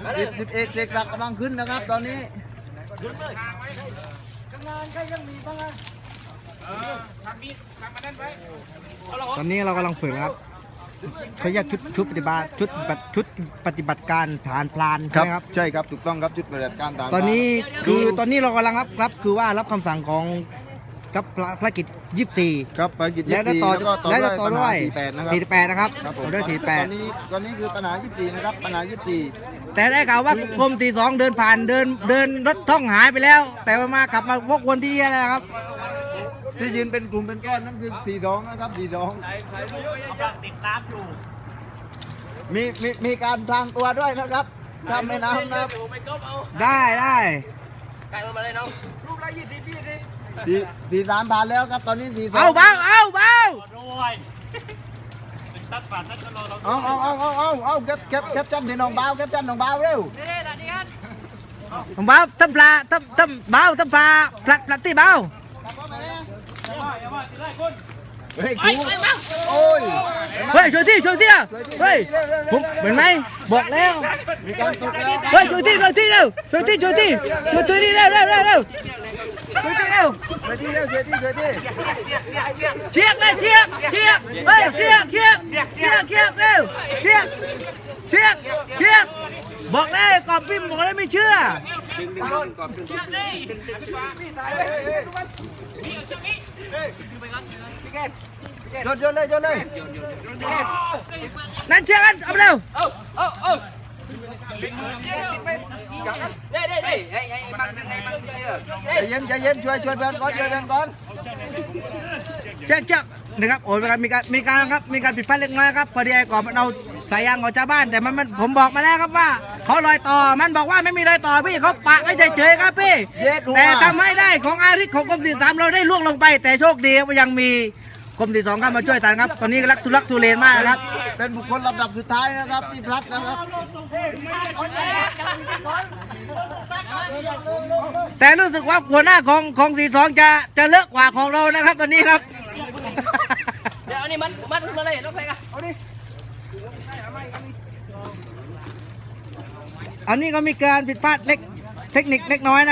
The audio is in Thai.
สิบเอกเสกศักดิ์กำลังขึ้นนะครับตอนนี้ตอนนี้เรากำลังฝึกนะครับเขาเรียกชุดปฏิบัติการฐานพลานใช่ไหมครับใช่ครับถูกต้องครับชุดปฏิบัติการตามตอนนี้เรากำลังรับคือว่ารับคำสั่งของกับภารกิจ24 ครับภารกิจแล้วต่อแล้วก็ต่อด้วย 48นะครับ 48นะครับครับผมต่อด้วยตอนนี้คือปัญหา24นะครับปัญหา 48แต่ได้ข่าวว่ากรม42เดินผ่านเดินรถท่องหายไปแล้ว แต่ว่ามากลับมาวกวนที่นี่นะครับที่ยืนเป็นกลุ่มเป็นก้อนนั่นคือ42นะครับ42ติดตามอยู่มีการทางตัวด้วยนะครับข้ามแม่น้ำนะครับได้ 43ผ่านแล้วครับตอนนี้42 เอาเบาเอาเก็บจันที่น้องเบาเก็บจันน้องเบาเร็วผมเบาทำปลาทำเบาทำปลาพลัดที่เบาเฮ้ยครูโอ้ยเฮ้ยช่วยที่อ่ะเฮ้ยผมเห็นไหมบอกแล้วมีการตกแล้วเฮ้ยช่วยที่เร็วช่วยที่เร็วช่วยที่เร็วช่วยที่เร็วช่วยที่เร็วเชียกเลยเชียกเฮ้ยเชียกเร็วเชียกบอกเลยกอบพิมพ์บอกเลยไม่เชื่อโยนเลยนั่นเชียร์กันเอาเร็วใจเย็นช่วยเพื่อนก่อนเช็คนะครับโอ้ยมีการผิดพลาดเล็กน้อยครับพอดีไอ้ก่อนมันเอาสายยางของชาวบ้านแต่มันผมบอกมาแล้วครับว่าเขาลอยต่อมันบอกว่าไม่มีรอยต่อพี่เขาปะไว้เฉยๆครับพี่แต่ทำให้ได้ของอาริสของกรม43เราได้ล่วงลงไปแต่โชคดีว่ายังมีกรม42เข้ามาช่วยทันครับตอนนี้รักทุเลนมากนะครับเป็นบุคคลลำดับสุดท้ายนะครับที่พลัดนะครับแต่รู้สึกว่าหัวหน้าของ42จะเลอะกว่าของเรานะครับตอนนี้ครับเดี๋ยวอันนี้มันมาเลยรถไฟกันเอาดิอันนี้ก็มีการผิดพลาดเทคนิคเล็กน้อยนะ